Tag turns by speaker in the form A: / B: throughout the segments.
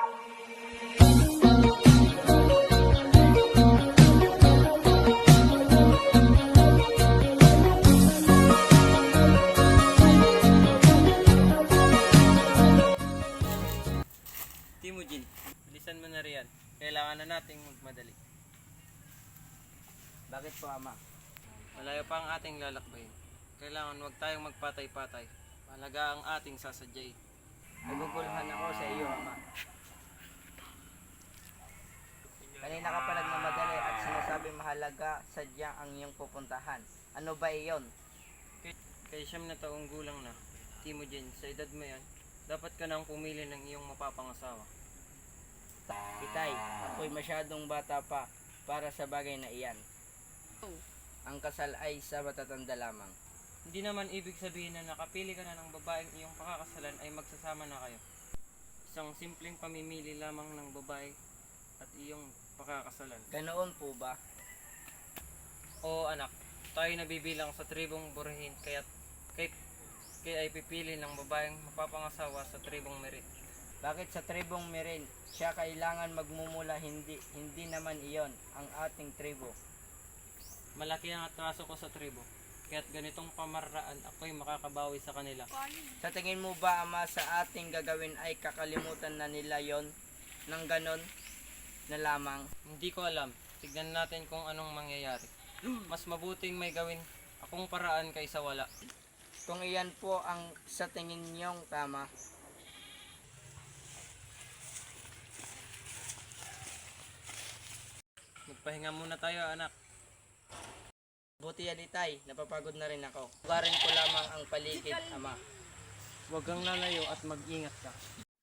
A: Timujin, bilisan mo na riyan. Kailangan na nating magmadali.
B: Bakit po, Ama?
A: Malayo pa ang ating lalakbayin. Kailangan wag tayong magpatay-patay. Mahalaga ang ating sasadyay.
B: Naguguluhan ako sa iyo, Ama. Kanina ka pa nagmamadali at sinasabi mahalaga sadya ang iyong pupuntahan. Ano ba iyon?
A: Kay siyam na taong gulang na, Timujin, sa edad mo yan, dapat ka nang pumili ng iyong mapapangasawa.
B: Itay, ako'y masyadong bata pa para sa bagay na iyan. Ang kasal ay sa matatanda lamang.
A: Hindi naman ibig sabihin na nakapili ka na ng babaeng iyong pakakasalan ay magsasama na kayo. Isang simpleng pamimili lamang ng babae at iyong pakakasalan.
B: Ganoon po ba?
A: Oo anak, tayo nabibilang sa tribong Burahin kaya ay pipili ng babaeng mapapangasawa sa tribong Merit.
B: Bakit sa tribong Merin siya kailangan magmumula, hindi naman iyon ang ating tribo?
A: Malaki ang atraso ko sa tribo, kaya't ganitong pamaraan ako'y makakabawi sa kanila.
B: Sa tingin mo ba, Ama, sa ating gagawin ay kakalimutan na nila yon ng ganon na lamang?
A: Hindi ko alam, tignan natin kung anong mangyayari. Mas mabuting may gawin akong paraan kaysa wala.
B: Kung iyan po ang sa tingin niyong tama.
A: Magpahinga muna tayo anak.
B: Buti yan, Itay, napapagod na rin ako. Ugarin ko lamang ang paligid, Ama.
A: Huwag kang lalayo at mag-ingat ka.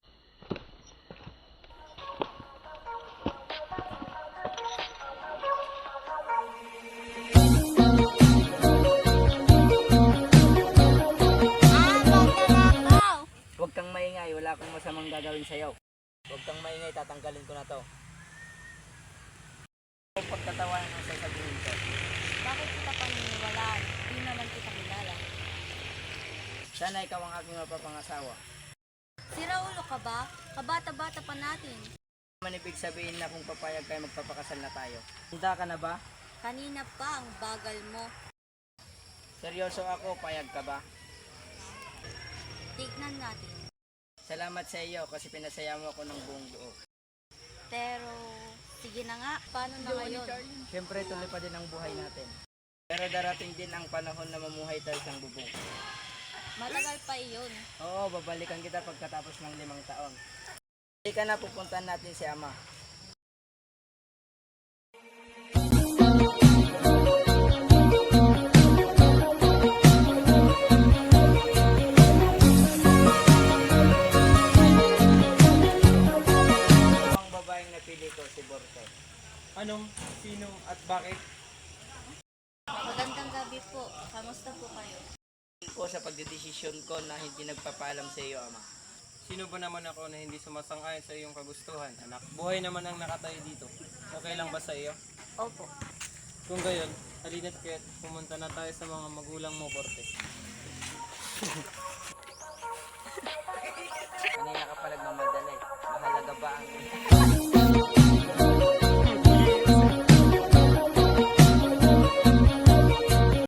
B: Huwag kang maingay, wala akong masamang gagawin sa'yo. Huwag kang maingay, tatanggalin ko na to. Pagkatawanan ang sasabihin ko.
C: Bakit kita paniniwalaan? Di naman kita kilala.
B: Sana ikaw ang aking mapapangasawa.
C: Sira ulo ka ba? Kabata-bata pa natin.
B: Naman ibig sabihin na kung papayag kayo magpapakasal na tayo. Handa ka na ba?
C: Kanina pa ang bagal mo.
B: Seryoso ako, payag ka ba?
C: Tignan natin.
B: Salamat sa iyo kasi pinasaya mo ako ng buong buo.
C: Pero, sige na nga. Paano na ngayon?
B: Siyempre tuloy pa din ang buhay natin. Pero darating din ang panahon na mamuhay tayo sa bubong.
C: Matagal pa iyon.
B: Oo, babalikan kita pagkatapos ng 5 taon. Hindi ka na, pupuntahan natin si Ama. Ang babaeng napili ko, si Borte.
A: Anong, sino at bakit?
C: Magandang gabi po. Kamusta po kayo?
B: Po sa pagdedesisyon ko na hindi nagpapaalam sa iyo, Ama.
A: Sino ba naman ako na hindi sumasang-ayon sa iyong kagustuhan, anak? Buhay naman ang nakatayo dito. Okay lang ba sa iyo?
C: Opo.
A: Kung gayon, halina't kaya't pumunta na tayo sa mga magulang mo, Borte.
B: Kanina ka pa nagmamadali. Mahalaga ba ang